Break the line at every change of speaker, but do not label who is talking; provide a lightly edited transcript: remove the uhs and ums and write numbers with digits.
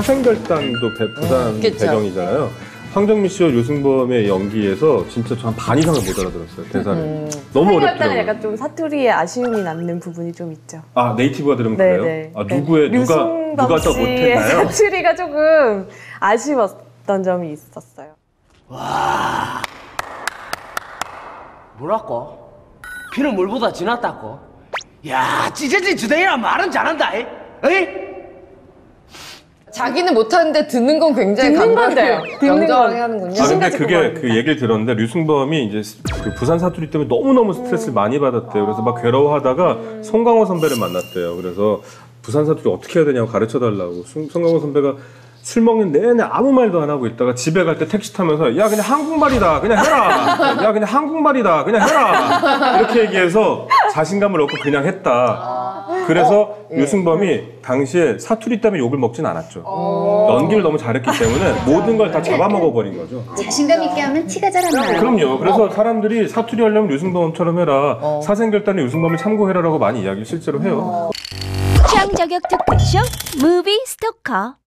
사생결단도 부산 배경이잖아요. 황정민 씨와 유승범의 연기에서 진짜 저 한 반 이상을 못 알아들었어요, 대사를. 너무 어렵더라고요.
사생결단은 약간 좀 사투리에 아쉬움이 남는 부분이 좀 있죠.
아, 네이티브가 들으면
네,
그래요?
네.
아, 누가 더 못했나요?
사투리가 조금 아쉬웠던 점이 있었어요.
와, 뭐랄까? 피는 물보다 진하다고? 야, 찢어진 주댕이란 말은 잘한다, 에이?
자기는 못하는데 듣는 건 굉장히
듣는 건데요.
명정하게 하는군요.
아, 근데
가지고
그게
말합니다.
그 얘기를 들었는데 류승범이 이제 그 부산 사투리 때문에 너무너무 스트레스를 많이 받았대요. 그래서 막 괴로워하다가 송강호 선배를 만났대요. 그래서 부산 사투리 어떻게 해야 되냐고 가르쳐 달라고. 송강호 선배가 술 먹는 내내 아무 말도 안 하고 있다가 집에 갈 때 택시 타면서 야 그냥 한국말이다 그냥 해라. 야 그냥 한국말이다 그냥 해라. 이렇게 얘기해서 자신감을 얻고 그냥 했다. 그래서 유승범이 당시에 사투리 때문에 욕을 먹진 않았죠. 연기를 너무 잘했기 때문에 모든 걸 다 잡아먹어버린 거죠.
자신감 있게 하면 티가 잘 안 나요.
그럼요. 그래서 사람들이 사투리 하려면 유승범처럼 해라. 사생결단에 유승범을 참고해라라고 많이 이야기를 실제로 해요.
취향 저격 토크쇼 무비 스토커.